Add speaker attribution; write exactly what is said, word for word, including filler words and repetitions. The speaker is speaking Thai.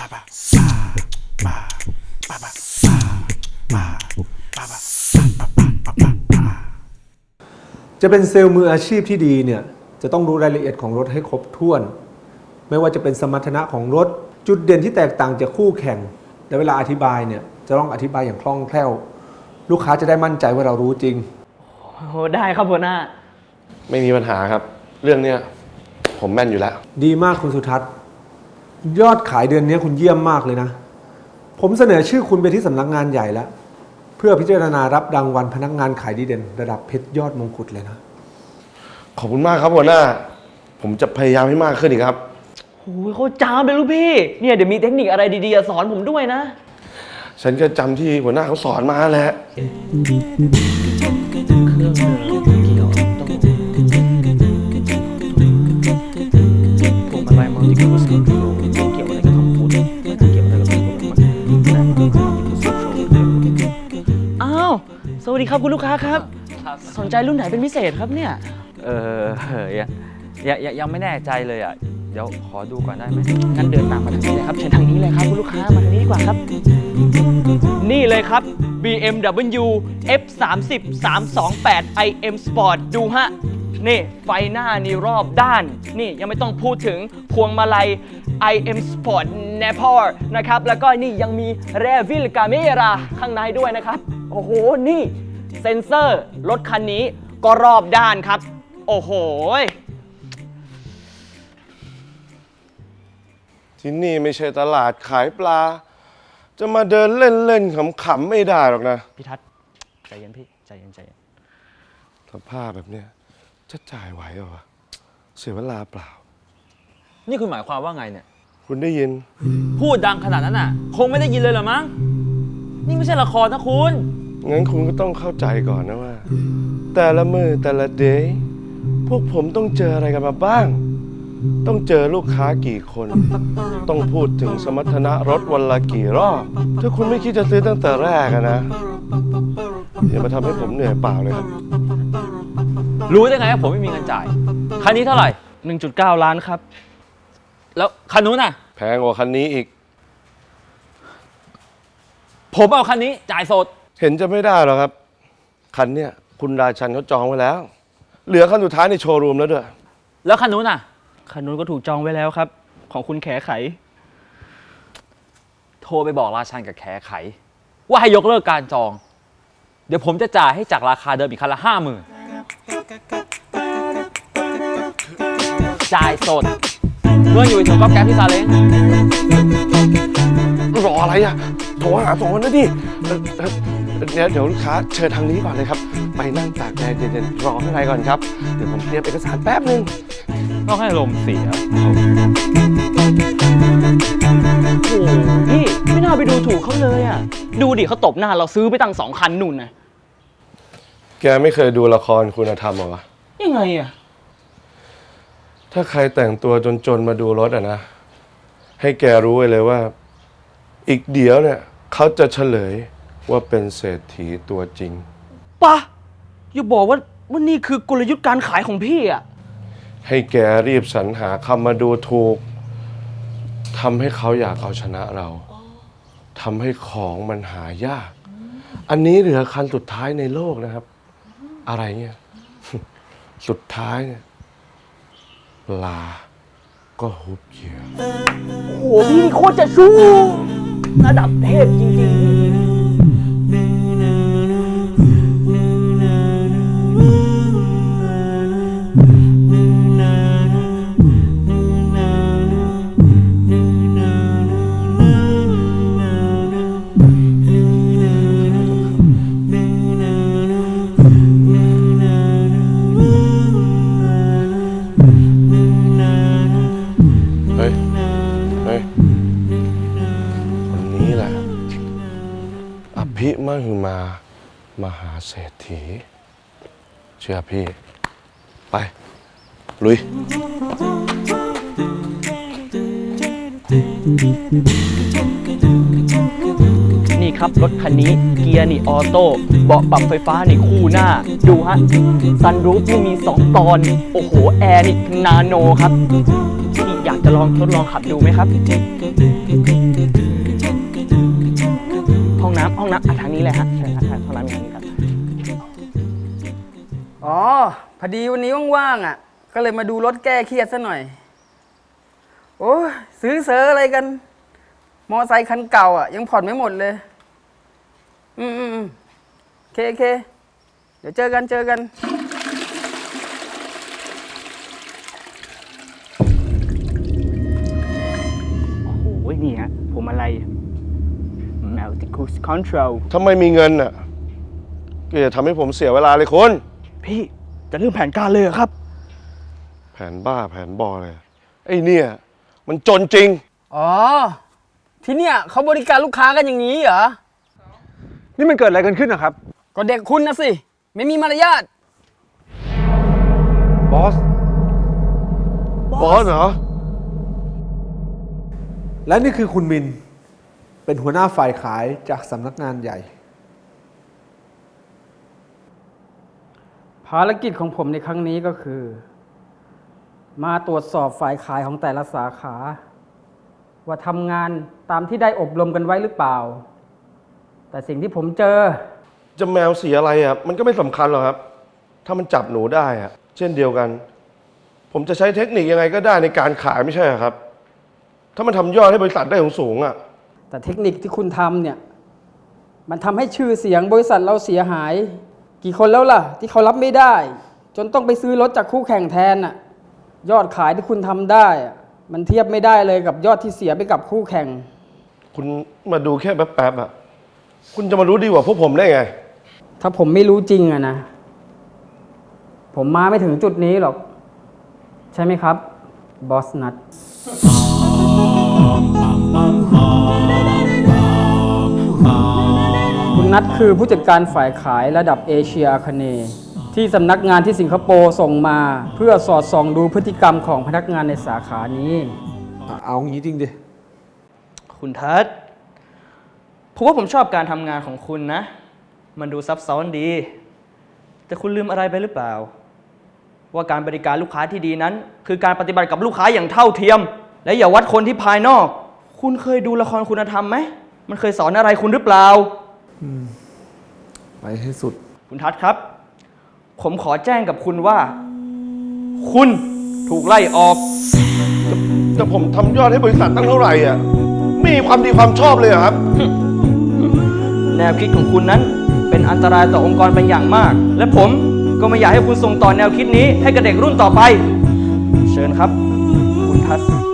Speaker 1: จะเป็นเซลล์มืออาชีพที่ดีเนี่ยจะต้องรู้รายละเอียดของรถให้ครบถ้วนไม่ว่าจะเป็นสมรรถนะของรถจุดเด่นที่แตกต่างจากคู่แข่งและเวลาอธิบายเนี่ยจะต้องอธิบายอย่างคล่องแคล่วลูกค้าจะได้มั่นใจว่าเรารู้จริง
Speaker 2: โอ้ได้ครับหัวหน้า
Speaker 3: ไม่มีปัญหาครับเรื่องเนี้ยผมแม่นอยู่แล้ว
Speaker 1: ดีมากคุณสุทัศน์ยอดขายเดือนนี้คุณเยี่ยมมากเลยนะผมเสนอชื่อคุณไปที่สำนักงานใหญ่แล้วเพื่อพิจารณารับรางวัลพนักงานขายดีเด่นระดับเพชรยอดมงกุฎเลยนะ
Speaker 3: ขอบคุณมากครับหัวหน้าผมจะพยายามให้มากขึ้นอีกครับ
Speaker 2: โอ้ยโคตรจ้าเลยลูกพี่เนี่ยเดี๋ยวมีเทคนิคอะไรดีๆสอนผมด้วยนะ
Speaker 3: ฉันก็จำที่หัวหน้าเขาสอนมาแหละ
Speaker 2: พวงมาลัยมัลติคูสคอนโทรลเกี่ยวอะไรกับคำพูดไม่เกี่ยวอะไรกับคำพูดอ้าวสวัสดีครับคุณลูกค้าครับสนใจรุ่นไหนเป็นพิเศษครับเนี่ย
Speaker 4: เออยังยังยังไม่แน่ใจเลยอ่ะเดี๋ยวขอดูก่อนได้ไหม
Speaker 2: งั้นเดินตามมาทางนี้เลยครับเชิญทางนี้เลยครับคุณลูกค้ามาทางนี้ดีกว่าครับนี่เลยครับ บี เอ็ม ดับเบิลยู เอฟ สามสิบ สามสองแปด ไอ เอ็ม Sport ดูฮะนี่ไฟหน้านี่รอบด้านนี่ยังไม่ต้องพูดถึงพวงมาลัย ไอ เอ็ม Sport Napor นะครับแล้วก็นี่ยังมีแรวิลกาเมราข้างในด้วยนะครับโอ้โหนี่เซ็นเซอร์รถคันนี้ก็รอบด้านครับโอ้โห
Speaker 3: ที่นี่ไม่ใช่ตลาดขายปลาจะมาเดินเล่นๆขำๆไม่ได้หรอกนะ
Speaker 2: พี่ทัศน์ใจเย็นพี่ใจเย็นใจเย็น
Speaker 3: สภาพแบบเนี้ยจะจ่ายไหวเหรอวะเสียเวลาเปล่า
Speaker 4: นี่คุณหมายความว่าไงเนี่ย
Speaker 3: คุณได้ยิน
Speaker 4: พูดดังขนาดนั้นน่ะคงไม่ได้ยินเลยเหรอมั้งนี่ไม่ใช่ละครนะคุณ
Speaker 3: งั้นคุณก็ต้องเข้าใจก่อนนะว่าแต่ละมือแต่ละเดย์พวกผมต้องเจออะไรกันมาบ้างต้องเจอลูกค้ากี่คนต้องพูดถึงสมรรถนะรถวันละกี่รอบถ้าคุณไม่คิดจะซื้อตั้งแต่แรกนะอย่ามาทำให้ผมเหนื่อยเปล่าเลยครับ
Speaker 4: รู้ได้ไงว่าผมไม่มีเงินจ่ายคันนี้เท่าไหร่
Speaker 2: หนึ่งจุดเก้า ล้านครับ
Speaker 4: แล้วคันนู้นน่ะ
Speaker 3: แพงกว่าคันนี้อีก
Speaker 4: ผมเอาคันนี้จ่ายสด
Speaker 3: เห็นจะไม่ได้หรอกครับคันเนี้ยคุณราชันเขาจองไว้แล้วเหลือคันสุดท้ายในโชว์รูมแล้วด้วย
Speaker 4: แล้วคันนู้นน่ะ
Speaker 2: คันนู้นก็ถูกจองไว้แล้วครับของคุณแขไข
Speaker 4: โทรไปบอกราชันกับแขไขว่าให้ยกเลิกการจองเดี๋ยวผมจะจ่ายให้จากราคาเดิมอีกคันละห้าหมื่นจ่ายสดเมื่ออยู่ถึงก๊อฟแก๊ปพี่ซาเล้ง
Speaker 3: รออะไรอ่ะโทรหาสองคนนะดิเดี๋ยวเดี๋ยวลูกค้าเชิญทางนี้ก่อนเลยครับไปนั่งตากแดดเย็นๆรอข้างในก่อนครับเดี๋ยวผมเตรียมเอกสารแป๊บนึง
Speaker 4: ต้องให้ลมเสีย
Speaker 2: โอ้พี่ไม่น่าไปดูถูกเขาเลยอ่ะดูดิเขาตบหน้าเราซื้อไปตั้งสองคันนู่นนะ
Speaker 3: แกไม่เคยดูละครคุณธรรมเหรอวะ
Speaker 2: ยังไงอ่ะ
Speaker 3: ถ้าใครแต่งตัวจนๆมาดูรถอ่ะนะให้แกรู้ไว้เลยว่าอีกเดี๋ยวเนี่ยเขาจะเฉลยว่าเป็นเศรษฐีตัวจริง
Speaker 2: ปะอย่าบอกว่าว่านี่คือกลยุทธ์การขายของพี่อ่ะ
Speaker 3: ให้แกรีบสรรหาคำมาดูถูกทำให้เขาอยากเอาชนะเราทำให้ของมันหายากอันนี้เหลือคันสุดท้ายในโลกนะครับอะไรเงี้ยสุดท้ายเนี่ยปลาก็ฮุบเหยื่อ
Speaker 2: โอ้โหพี่โคตรจะชู้ระดับเทพจริงๆ
Speaker 3: พิมหึมามหาเศรษฐีเชื่อพี่ไปลุย
Speaker 2: นี่ครับรถคันนี้เกียร์นี่ออโต้เบาะปรับไฟฟ้านี่คู่หน้าดูฮะซันรูฟนี่มีสองตอนโอ้โหแอร์นี่นาโนครับพี่อยากจะลองทดลองขับดูไหมครับห้องน้ำห้องน้ำอ่ะทางนี้เลยฮะเชิญครับห้องน้ำอย่างนี้ครับ
Speaker 5: อ๋อ พอดีวันนี้ว่างๆอ่ะ ก็เลยมาดูรถแก้เครียดซะหน่อย โอ้ยซื้อเซออะไรกัน มอไซค์คันเก่าอ่ะ ยังผ่อนไม่หมดเลย อืมอืมอืมโอเคโอเค เดี๋ยวเจอกันเจอกัน
Speaker 2: โอ้ยนี่ฮะผมอะไร Multi Cruise Control
Speaker 3: ถ้าไม่มีเงินอ่ะก็อย่าทำให้ผมเสียเวลาเลยคุณ
Speaker 2: พี่จะเริ่มแผนการเลยเหรอครับ
Speaker 3: แผนบ้าแผนบอเลย ไอ้เนี่ย มันจนจริง
Speaker 5: อ๋อ ที่เนี่ยเขาบริการลูกค้ากันอย่างนี้เหรอ
Speaker 1: นี่มันเกิดอะไรกันขึ้นนะครับ
Speaker 5: ก็เด็กคุณนะสิ ไม่มีมารยาท
Speaker 1: บอส
Speaker 3: บอสเหรอ
Speaker 1: และนี่คือคุณมิน เป็นหัวหน้าฝ่ายขายจากสำนักงานใหญ่
Speaker 5: ภารกิจของผมในครั้งนี้ก็คือ มาตรวจสอบฝ่ายขายของแต่ละสาขา ว่าทำงานตามที่ได้อบรมกันไว้หรือเปล่า แต่สิ่งที่ผมเจอ
Speaker 3: จะแมวสีอะไรอ่ะ มันก็ไม่สำคัญหรอกครับ ถ้ามันจับหนูได้อ่ะ เช่นเดียวกัน ผมจะใช้เทคนิคยังไงก็ได้ในการขายไม่ใช่เหรอครับ ถ้ามันทำยอดให้บริษัทได้สูงๆอ่ะ
Speaker 5: แต่เทคนิคที่คุณทำเนี่ย มันทำให้ชื่อเสียงบริษัทเราเสียหาย กี่คนแล้วล่ะ ที่เขารับไม่ได้ จนต้องไปซื้อรถจากคู่แข่งแทนน่ะ ยอดขายที่คุณทำได้อะมันเทียบไม่ได้เลยกับยอดที่เสียไปกับคู่แข่ง
Speaker 3: คุณมาดูแค่แป๊บๆอ่ะ คุณจะมารู้ดีกว่าพวกผมได้ไง
Speaker 5: ถ้าผมไม่รู้จริงอะนะ ผมมาไม่ถึงจุดนี้หรอก ใช่ไหมครับ บอสนัทคุณนัทคือผู้จัดการฝ่ายขายระดับเอเชียอาคเนย์ที่สำนักงานที่สิงคโปร์ส่งมา เพื่อสอดส่องดูพฤติกรรมของพนักงานในสาขานี้
Speaker 1: อ่ะเอางี้จริงดิ
Speaker 2: คุณทัศน์ผมว่าผมชอบการทำงานของคุณนะ มันดูซับซ้อนดี แต่คุณลืมอะไรไปหรือเปล่า ว่าการบริการลูกค้าที่ดีนั้น คือการปฏิบัติกับลูกค้าอย่างเท่าเทียม และอย่าวัดคนที่ภายนอก คุณเคยดูละครคุณธรรมไหม มันเคยสอนอะไรคุณหรือเปล่า
Speaker 1: ไปให้สุด
Speaker 2: คุณทัศน์ครับ ผมขอแจ้งกับคุณว่า คุณถูกไล่ออก
Speaker 3: แต่ผมทำยอดให้บริษัทตั้งเท่าไหร่อ่ะ ไม่มีความดีความชอบเลยเหรอครับ
Speaker 2: แนวคิดของคุณนั้นเป็นอันตรายต่อองค์กรเป็นอย่างมาก และผมก็ไม่อยากให้คุณส่งต่อแนวคิดนี้ให้กับเด็กรุ่นต่อไป เชิญครับ คุณทัศน์